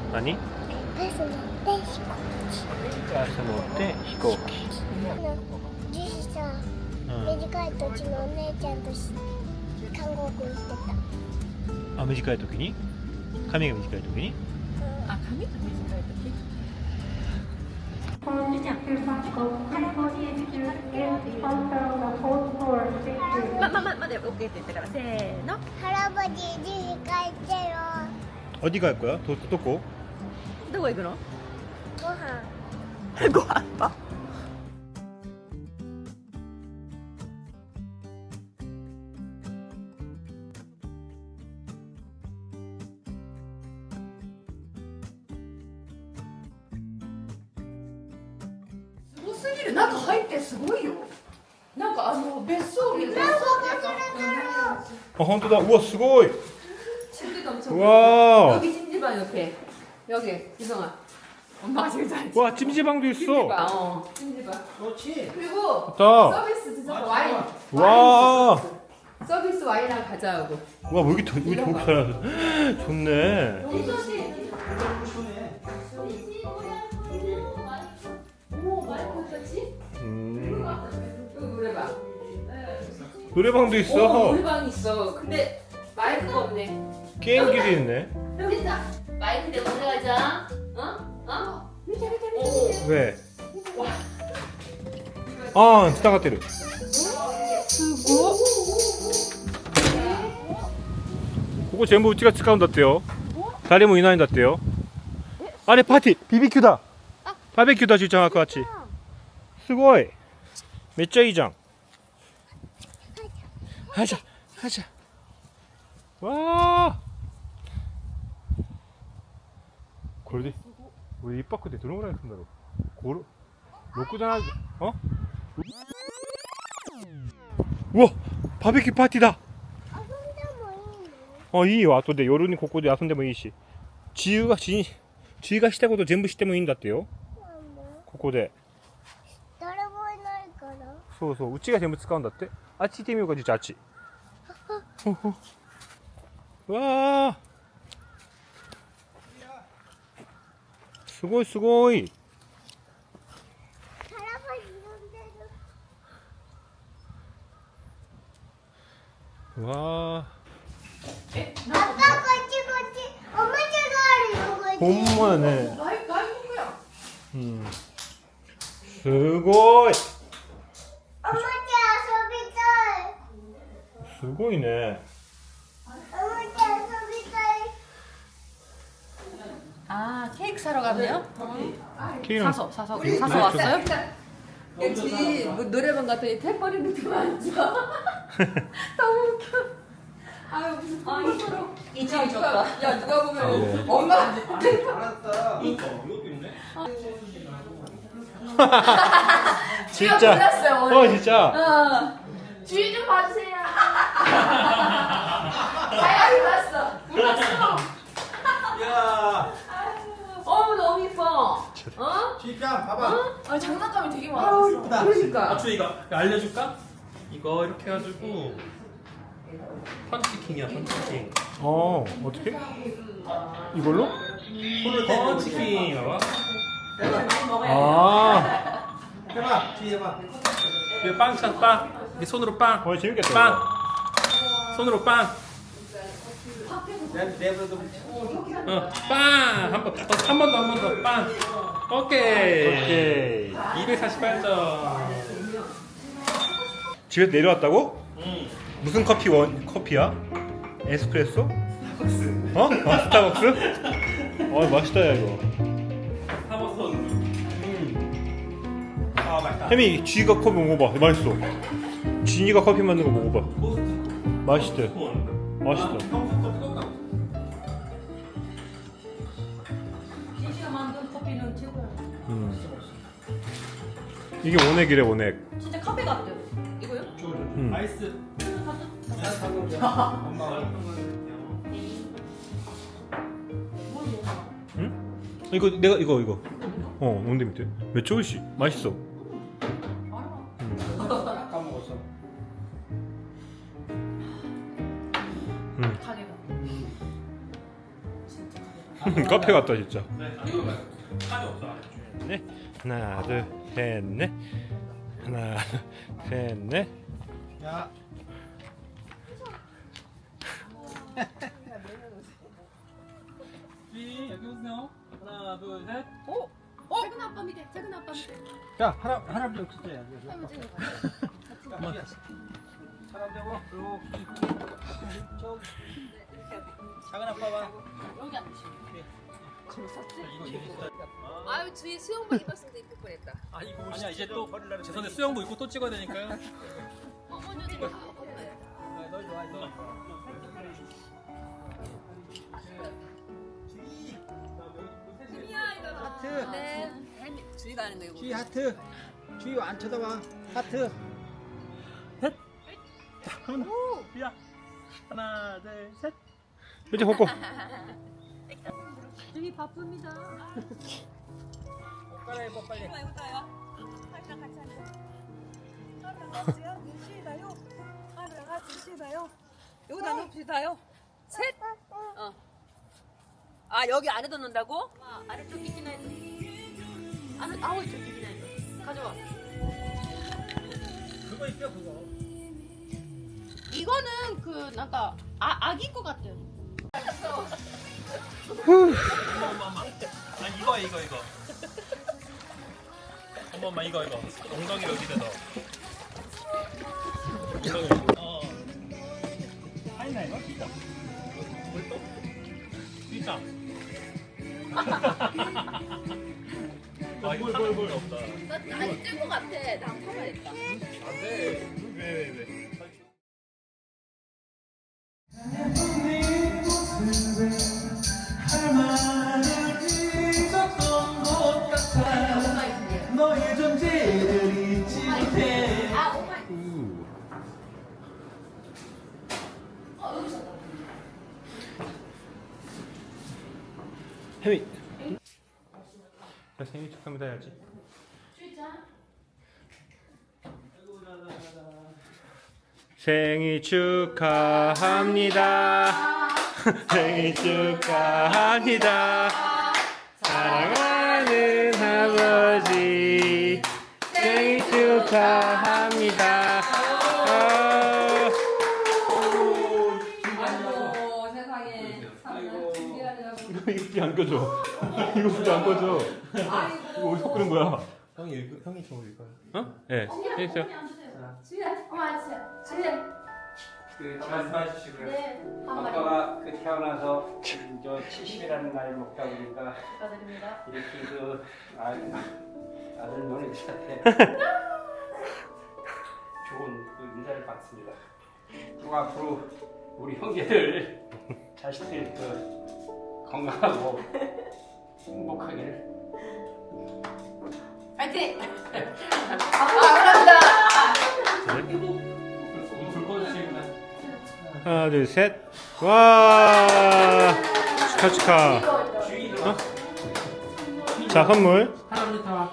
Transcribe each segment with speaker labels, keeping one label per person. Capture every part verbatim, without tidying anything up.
Speaker 1: 何？
Speaker 2: バス乗って飛行
Speaker 1: バス乗って飛行機。
Speaker 2: 機の樹脂さ、
Speaker 1: うん。
Speaker 2: 短い土地のお姉ちゃんとし韓国行って
Speaker 1: あ、短い時に？髪が短い時に？
Speaker 3: あ、髪が短い時。ま、ま、ま、まで OK って言ったから、せーの。
Speaker 2: た原橋樹脂帰ってよ。
Speaker 1: 어디 갈 거야? 도, 도코?
Speaker 3: どこ行くの？
Speaker 2: ご飯
Speaker 3: ご飯か。
Speaker 4: すごすぎる。中入ってすごいよ。なんかあの別荘みたいな。
Speaker 1: 어, 헌터다. 우와, 스고이.
Speaker 4: 침대도 엄청
Speaker 1: 와.
Speaker 4: 여기 찜질방 옆에. 여기 이성아. 엄마가 제일 잘.
Speaker 1: 와, 찜질방도 있어.
Speaker 4: 찜질방. 어. 찜질방.
Speaker 5: 그렇지.
Speaker 4: 그리고
Speaker 1: 좋다.
Speaker 4: 서비스 진짜 와인.
Speaker 1: 와.
Speaker 4: 와인 서비스 와인이랑 가져오고.
Speaker 1: 와, 뭐 여기 더, 여기 더 잘하네. 좋네.
Speaker 4: 오, 마이크 어떻지?
Speaker 1: 음.
Speaker 4: 여기 노래방.
Speaker 1: 노래방도
Speaker 4: 오,
Speaker 1: 있어.
Speaker 4: 노래방 있어. 근데 마이크가 없네.
Speaker 1: 게임기도 있네.
Speaker 4: 여기 있다. 마이크 내가 가져가자. 어? 어? 미자 미자 미자.
Speaker 1: 왜? 아, 지나갔대요.
Speaker 4: 수고.
Speaker 1: 그거 전부 우찌가使うんだってよ. 다리모 이나인だってよ. 아래 파티 비비큐다. 바베큐다 진짜 아까 같이. 스고이. めっちゃいいじゃん. 하자. 하자. 와. これで 우리 이泊でどのぐらいするんだろう?ご、ろくじゃない? 어? 우와! 바베큐 파티다.
Speaker 2: 遊んでもいいの?
Speaker 1: 어, いいよ. 後で夜にここで遊んでもいいし. 지유가 지, 지유가 したこと全部してもいいんだってよ.
Speaker 2: なんで?
Speaker 1: ここで.
Speaker 2: 誰もいないから。
Speaker 1: そうそう。うちが全部使うんだって. あっち行ってみようか、じゃああっち. うわー. すごいすごい.
Speaker 2: 原橋呼んでる。
Speaker 1: うわ
Speaker 4: え、
Speaker 2: パパこっちこっち。おもちゃがあるよこっち。
Speaker 1: ー. ほんまやね.
Speaker 4: 나外国や。
Speaker 1: 음. すごい.
Speaker 2: おもちゃ遊びたい。
Speaker 1: すごいね.
Speaker 2: おもちゃ遊びたい。
Speaker 3: 아, 케이크 사러 갔네요?
Speaker 1: 케이크
Speaker 3: 사서, 사서, 사서 왔어요?
Speaker 4: 여기 뭐 노래방 갔더니 탭버린 느낌 아니죠? 너무 웃겨. 아유 무슨 아
Speaker 3: 이층이
Speaker 4: 누가
Speaker 3: 좋다.
Speaker 4: 야 누가 보면
Speaker 1: 아, 네.
Speaker 4: 엄마
Speaker 5: 알았어.
Speaker 1: 진짜.
Speaker 4: 몰랐어요, 오늘.
Speaker 1: 어, 진짜.
Speaker 4: 어. 주의 좀 봐주세요. 아야 몰랐어. 몰랐어.
Speaker 5: 야,
Speaker 4: 어머 너무 이뻐. 어?
Speaker 5: 주입장 봐봐.
Speaker 4: 아 장난감이 되게 많아.
Speaker 5: 아우, 이쁘다.
Speaker 4: 그러니까.
Speaker 6: 아추 이거 알려줄까? 이거 이렇게 해가지고 펀치킹이야 펀치킹.
Speaker 1: 어, 어떻게? 이걸로?
Speaker 5: 손을 대고
Speaker 6: 펀치킹 봐봐.
Speaker 1: 아.
Speaker 5: 해봐, 주의 해봐.
Speaker 6: 이거 빵찬 빵. 이게 손으로 빵.
Speaker 1: 어, 재밌겠다.
Speaker 6: 빵.
Speaker 1: 이거.
Speaker 6: 손으로 빵.
Speaker 5: 내 내버려도
Speaker 6: 어, 빵. 한 번, 한 번 더, 한 번 더. 빵. 오케이.
Speaker 1: 오케이.
Speaker 6: 이백사십팔 점.
Speaker 1: 집에 내려왔다고?
Speaker 6: 응.
Speaker 1: 무슨 커피 원 커피야? 에스프레소? 스타벅스. 어? 아, 스타벅스? 어, 맛있다 야 이거.
Speaker 6: 사버섯. 음. 아 맛있다.
Speaker 1: 혜미, 쥐가 커피 먹어봐. 맛있어. 진이가 커피 만든 거 먹어봐.
Speaker 6: 토스트.
Speaker 1: 맛있대.
Speaker 6: 콘.
Speaker 1: 맛있다.
Speaker 6: 평소부터 뜨겁다.
Speaker 3: 진씨가 만든 커피는 최고야.
Speaker 1: 음. 이게 원액이래 원액.
Speaker 3: 진짜 카페 같아요. 이거요?
Speaker 1: 음.
Speaker 6: 아이스.
Speaker 5: 엄마가
Speaker 1: 응? 이거 내가 이거 이거. 어, 뭔데 밑에? 몇 초일씩? 맛있어.
Speaker 5: 까먹었어.
Speaker 1: 음.
Speaker 3: 가게가. 진짜 가게가.
Speaker 1: 카페 같다 진짜.
Speaker 6: 카드 없어.
Speaker 1: 네. 하나 둘 셋 넷. 하나 둘 셋 넷.
Speaker 5: 야.
Speaker 6: 쥐 여기 오세요. 하나 둘 셋.
Speaker 4: 어? 어? 작은 아빠 밑에, 작은 아빠 밑에.
Speaker 5: 야, 할아 할아버지 여기 있어야
Speaker 4: 할아버지.
Speaker 5: 사람 되고 그리고 좀 작은 아빠 봐.
Speaker 4: 여기 앉으시면.
Speaker 5: 이거 이거 있어.
Speaker 4: 아유, 주위 수영복 입었으면 이쁠 뻔했다.
Speaker 6: 아 이거 아니야 이제 또 죄송한데 수영복 입고 또 찍어야 되니까요.
Speaker 4: 어머니도 다
Speaker 5: 너 좋아, 너. 하트.
Speaker 4: 네. 주위 가는 거 이거.
Speaker 5: 주희 하트. 주희 안 쳐다봐. 하트.
Speaker 6: 야 하나 둘 셋.
Speaker 1: 이제 벗고.
Speaker 4: 주위 바쁩니다.
Speaker 5: 옷 갈아입어 빨리.
Speaker 4: 여기다 놓읍시다요. 셋. 어. 아 여기 안에 넣는다고? 아, 아래쪽 끼기나 했어. 안에 아우 이쪽 끼기나 했어. 가져와.
Speaker 5: 그거 입혀 그거.
Speaker 3: 이거는 그 뭔가 아 아기 거 같아요.
Speaker 6: 아니 이거 이거 이거. 한 번만 이거 이거. 엉덩이 여기다 넣어. 엉덩이 여기. 어. 아니나 이거 진짜. 뭘또? 진짜. 아 이거 뭘뭘 없다.
Speaker 3: 나 아니 뜰것 같아. 나 한번 해봐야겠다.
Speaker 6: 안돼. 왜왜 왜?
Speaker 5: 너의 존재를 잊지 못해.
Speaker 3: 아 오마이.
Speaker 1: 혜미. 나 생일 축하합니다 해야지. 생일 축하합니다. 생일 축하합니다. 사랑하는 아버지 생일 축하합니다. 아,
Speaker 4: 아이고 세상에. 아이고. 준비하려고.
Speaker 1: 이거 이거 안 꺼져. 이거 진짜 안 꺼져. 이거 어디서 끄는 거야?
Speaker 5: 형이 읽 형이 좀 읽어.
Speaker 1: 어? 네. 해주세요.
Speaker 3: 주희야, 어머 앉으세요. 주희야.
Speaker 5: 그 말씀해 주시고요.
Speaker 3: 네. 한 마리
Speaker 5: 아빠가 그 태어나서 저 칠십이라는 나이 먹다 보니까
Speaker 3: 축하드립니다.
Speaker 5: 이렇게 그 아, 아들 노래들한테 좋은 그 인사를 받습니다. 또 앞으로 우리 형제들 자식들 그 건강하고 행복하기를.
Speaker 3: 파이팅!
Speaker 6: 불 꺼주시구나.
Speaker 1: 하나 둘 셋. 와 축하 축하. 어? 자 선물.
Speaker 6: 할아버지 다.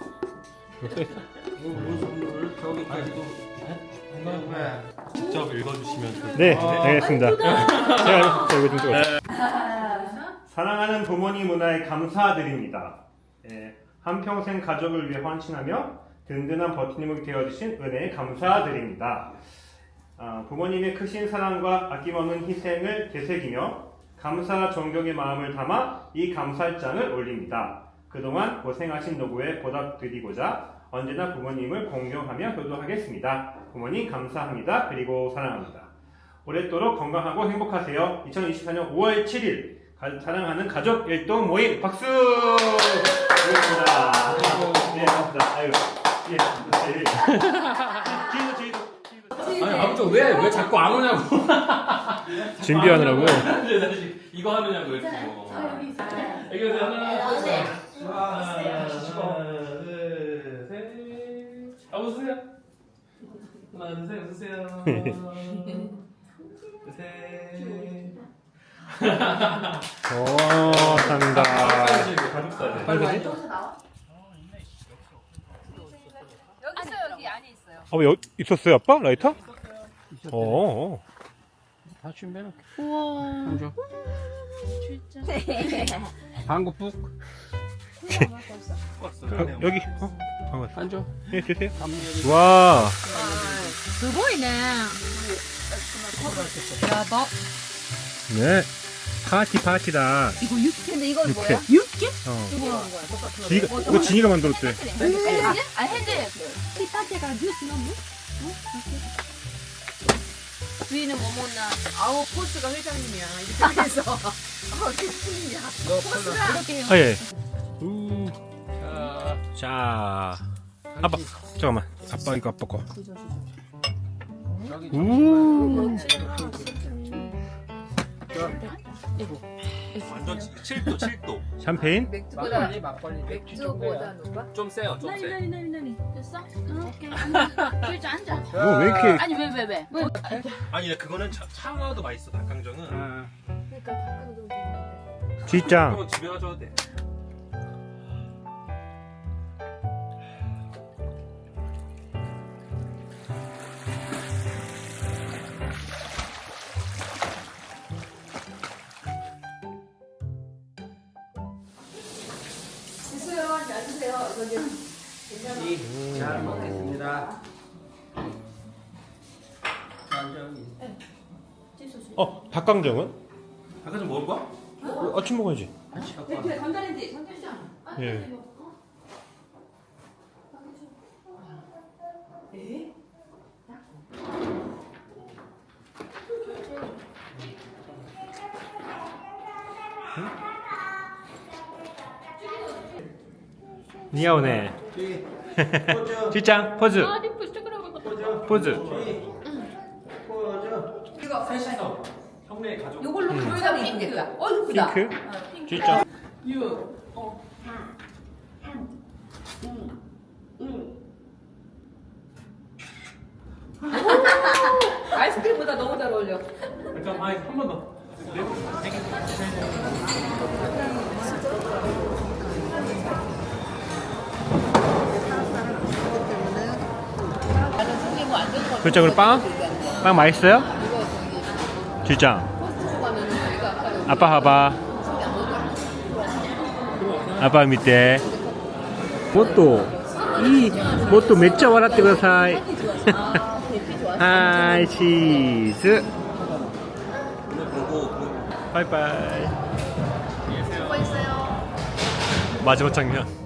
Speaker 5: 저기까지도
Speaker 6: 직접 읽어주시면
Speaker 1: 네 알겠습니다. 제가 자, 이거 좀 찍어. 사랑하는 부모님 문화에 감사드립니다. 예, 한평생 가족을 위해 헌신하며 든든한 버티님이 되어주신 은혜에 감사드립니다. 아, 부모님의 크신 사랑과 아낌없는 희생을 되새기며 감사 존경의 마음을 담아 이 감사장을 올립니다. 그동안 고생하신 노고에 보답드리고자 언제나 부모님을 공경하며 효도하겠습니다. 부모님 감사합니다. 그리고 사랑합니다. 오랫도록 건강하고 행복하세요. 이천이십사 년 오월 칠일 가, 사랑하는 가족 일동 모임 박수! 고맙습니다. 네, 고맙습니다. 아유, 예, 네. 뒤에도 뒤에도.
Speaker 6: 아니 아무튼 왜왜 자꾸 안 오냐고.
Speaker 1: 준비하느라고.
Speaker 6: 이거 하느냐고 이렇게.
Speaker 3: 아 여기 있어.
Speaker 6: 여기 오세요. 하나 둘 셋.
Speaker 5: 와,
Speaker 6: 하나 둘 셋. 아 웃으세요. 하나 둘 셋 웃으세요. 둘 셋.
Speaker 1: 오, 감사합니다.
Speaker 6: 가족사진.
Speaker 1: 빨리 가지?
Speaker 3: 여기서 나와?
Speaker 4: 여기 있어요. 여기 안에 있어요.
Speaker 1: 아, 뭐, 여기 있었어요, 아빠? 라이터? 어.
Speaker 5: 다 준비해놓게.
Speaker 3: 우와.
Speaker 5: 줘. 한국 북.
Speaker 1: 어, 여기. 어? 어,
Speaker 5: 앉아.
Speaker 1: 예, 드세요. 와. 네. 파티 파티다.
Speaker 3: 이거 육개인데 이건
Speaker 1: 육회.
Speaker 3: 뭐야? 육개?
Speaker 1: 어. 진이가, 이거 진이가 만들었대.
Speaker 3: 아 핸드 피타테가 주스 너무?
Speaker 4: 주인은 뭐 먹나? 아우 포스가 회장님이야. 이렇게 해서 아우 대표님이야. 포스가 이렇게 해요.
Speaker 1: 아, 예. 우. 자. 아빠, 잠깐만. 아빠, 이거 아빠 거. 우.
Speaker 6: 완전 칠 도 칠 도.
Speaker 1: 샴페인?
Speaker 4: 맥주보다
Speaker 5: 막걸리 막걸리.
Speaker 4: 맥주보다 높아?
Speaker 6: 좀 세요, 좀
Speaker 3: 나니
Speaker 6: 세.
Speaker 3: 나니 나니 나니 됐어? 응, 오케이 앉아 줄자 앉아
Speaker 1: 뭐, 왜 이렇게.
Speaker 3: 아니 왜 왜 왜? 왜?
Speaker 6: 아니 그거는 차, 차와도 맛있어 닭강정은.
Speaker 5: 아,
Speaker 4: 그러니까 닭강정 되는데.
Speaker 1: 지짱.
Speaker 6: 그건 집에 가져도 돼.
Speaker 4: 드세요. 잘 드세요. 이거 이제
Speaker 5: 이, 잘 먹겠습니다. 완전.
Speaker 1: 어, 닭강정은?
Speaker 6: 닭강정 먹을 거야?
Speaker 1: 어, 아침 먹어야지.
Speaker 4: 대표에 전자레인지 전자레인지.
Speaker 1: 예. 니아오네.
Speaker 5: 포즈.
Speaker 1: 지짱, 포즈.
Speaker 3: 아 리프 스티커라고
Speaker 1: 포즈.
Speaker 5: 포즈.
Speaker 4: 이거
Speaker 6: 셋이서 형네 가족.
Speaker 4: 요걸로 보여주면 이쁘겠다. 어 이쁘다.
Speaker 1: 핑크. 지짱.
Speaker 4: 유. 어. 아이스크림보다 너무 잘 어울려.
Speaker 6: 잠깐, 아니 한 번 더.
Speaker 1: 지짱, 우리 빵? 빵 맛있어요? 지짱. 아빠 봐봐. 아빠 밑에. 모또. 이 모또 めっちゃ笑ってください. 하이 치즈. 바이바이. 마지막 장면.